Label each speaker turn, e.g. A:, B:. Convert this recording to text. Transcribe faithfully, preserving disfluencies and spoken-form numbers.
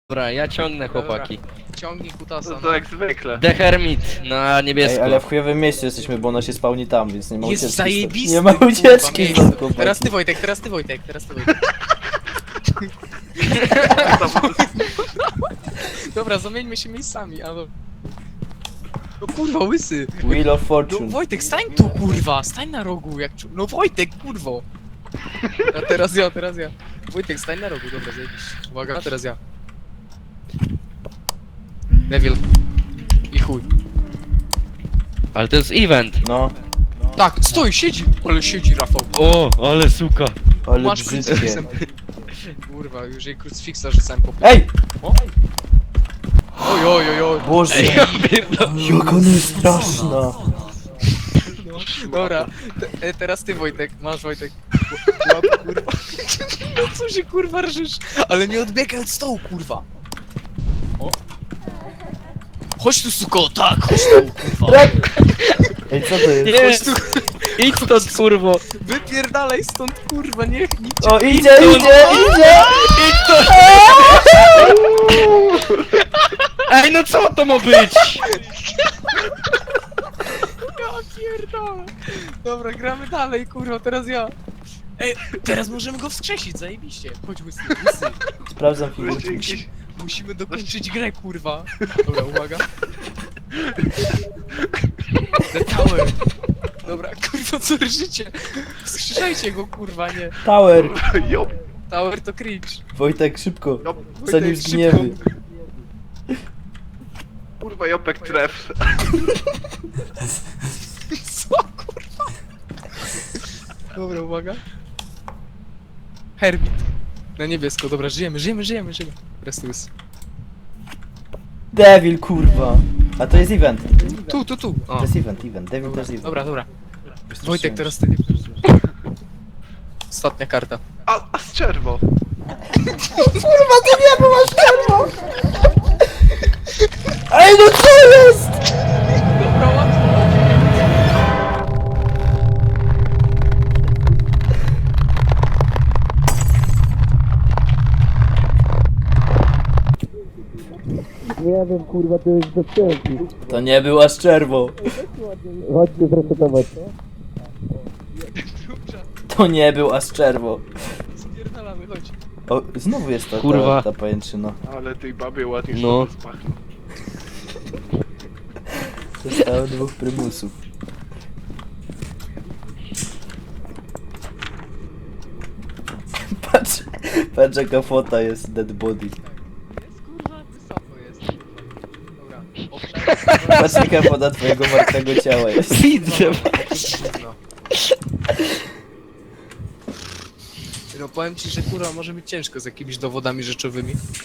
A: Dobra, ja ciągnę chłopaki.
B: Ciągnij kutasa.
C: No
B: No
C: to jak zwykle.
A: The Hermit na niebiesko.
D: Ej, ale w chujowym mieście jesteśmy, bo ona się spawni tam, więc nie ma
B: Jest
D: ucieczki.
B: zajebisty,
D: Nie ma
B: kurwa,
D: ucieczki
B: miejsce.
D: stąd, chłopaki.
B: Teraz ty Wojtek, teraz ty Wojtek, teraz ty Wojtek. Dobra, zamieńmy się miejscami, ale... No kurwa, łysy!
D: Wheel of
B: No
D: Fortune.
B: Wojtek, stań tu kurwa, stań na rogu, jak czu... No Wojtek, kurwo! A teraz ja, teraz ja. Wojtek, stań na rogu, dobra, zajebiście. Uwaga, teraz ja. Neville. I chuj.
A: Ale to jest event.
D: No,
B: Tak, stoi, siedzi! Ale siedzi, Rafał.
A: O, ale suka.
D: ale
B: Masz
D: brzydkie.
B: krucyfiksem. Kurwa, już jej krucyfiksa rzucałem po...
D: Ej!
B: Oj, oj, oj, oj.
D: Boże,
A: Ej, ja pierdolę.
D: jak ona jest straszna.
B: Dobra, te, e, teraz ty Wojtek, masz Wojtek. Łap, kurwa. No co się kurwa rżysz? Ale nie odbiegaj od stołu, kurwa. O. Chodź tu, suko, tak, chodź tu, kurwa.
D: Ej, co to jest?
A: Nie,
B: Chodź tu,
A: idź stąd kurwo.
B: wypierdalaj stąd, kurwa, niech nikt cię...
D: O, idzie, idzie, idzie!
A: Idź stąd. Ej, no co to ma być?
B: Ja pierdolę. Dobra, gramy dalej, kurwa, teraz ja. Ej, teraz możemy go wskrzesić, zajebiście. Chodź, łysy, łysy.
D: Sprawdzam
C: Wreszcie
D: figurki.
C: jakiś...
B: Musimy dokończyć grę, kurwa. Dobra, uwaga. The Tower. Dobra, kurwa, co życie? Wskrzeszajcie go, kurwa, nie.
D: Tower!
C: Jop,
B: Tower to cringe.
D: Wojtek, szybko.
C: jop,
D: Zanim
B: Wojtek,
D: zgniemy.
C: kurwa, Jopek tref.
B: Co, kurwa? Dobra, uwaga. Herbit. Na niebiesko, dobra, żyjemy, żyjemy, żyjemy, żyjemy. Teraz tu jest.
D: Devil, kurwa. A to jest event.
B: Tu, tu, tu. O.
D: To jest event, event. Devil to
B: Dobra,
D: jest event.
B: dobra, dobra. Wojtek, teraz ty. Ostatnia karta.
C: A, a z czerwo.
D: Ej, no co jest?
B: Dobra, łatwo.
E: Nie wiem, kurwa, to jest bez sensu.
D: To nie była szczerwo.
E: Chodźcie zresetować.
D: To nie był aż czerwo.
B: Spierdalamy, chodź.
D: O, znowu jest ta,
A: Kurwa.
D: ta, ta pajęczyna.
C: Ale tej babie ładnie
A: No.
C: sobie spachnął.
D: Zostało dwóch prymusów. Patrz, patrz jaka fota jest dead body.
B: Jest kurwa, wysoko jest. Dobra, obszar.
D: Patrz jaka fota twojego martwego ciała jest.
A: Widzę.
B: No. No powiem ci, że kurwa może być ciężko z jakimiś dowodami rzeczowymi.